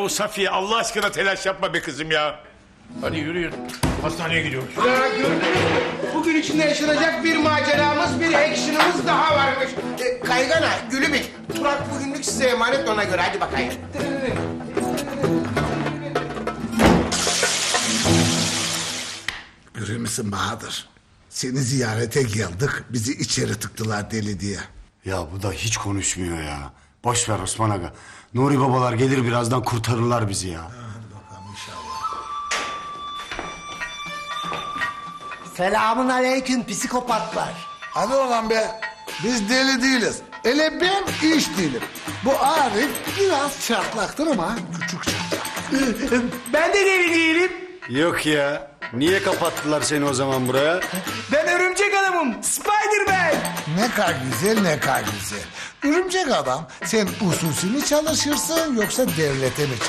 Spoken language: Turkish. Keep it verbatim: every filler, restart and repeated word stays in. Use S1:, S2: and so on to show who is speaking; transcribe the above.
S1: Yahu Safiye Allah aşkına telaş yapma be kızım ya. Hadi yürüyün. Hastaneye gidiyoruz.
S2: Ya gördünüz mü? Bugün içinde yaşanacak bir maceramız, bir action'ımız daha varmış. E, Kaygana, Gülübük, Turak bugünlük size emanet, ona göre hadi bakayım.
S3: Görüyor musun Bahadır? Seni ziyarete geldik, bizi içeri tıktılar deli diye.
S4: Ya bu da hiç konuşmuyor ya. Boş ver Osman Aga. Nuri babalar gelir birazdan kurtarırlar bizi ya.
S5: Selamun aleyküm psikopatlar.
S3: Hadi oradan be, biz deli değiliz. Hele ben iş değilim. Bu Arif biraz çatlaktır ama küçük çatlak.
S5: Ben de deli değilim.
S4: Yok ya. Niye kapattılar seni o zaman buraya?
S5: Ben örümcek adamım. Spider-Man.
S3: Ne kadar güzel, ne kadar güzel. Örümcek adam, sen usulsü mü çalışırsın yoksa devlete mi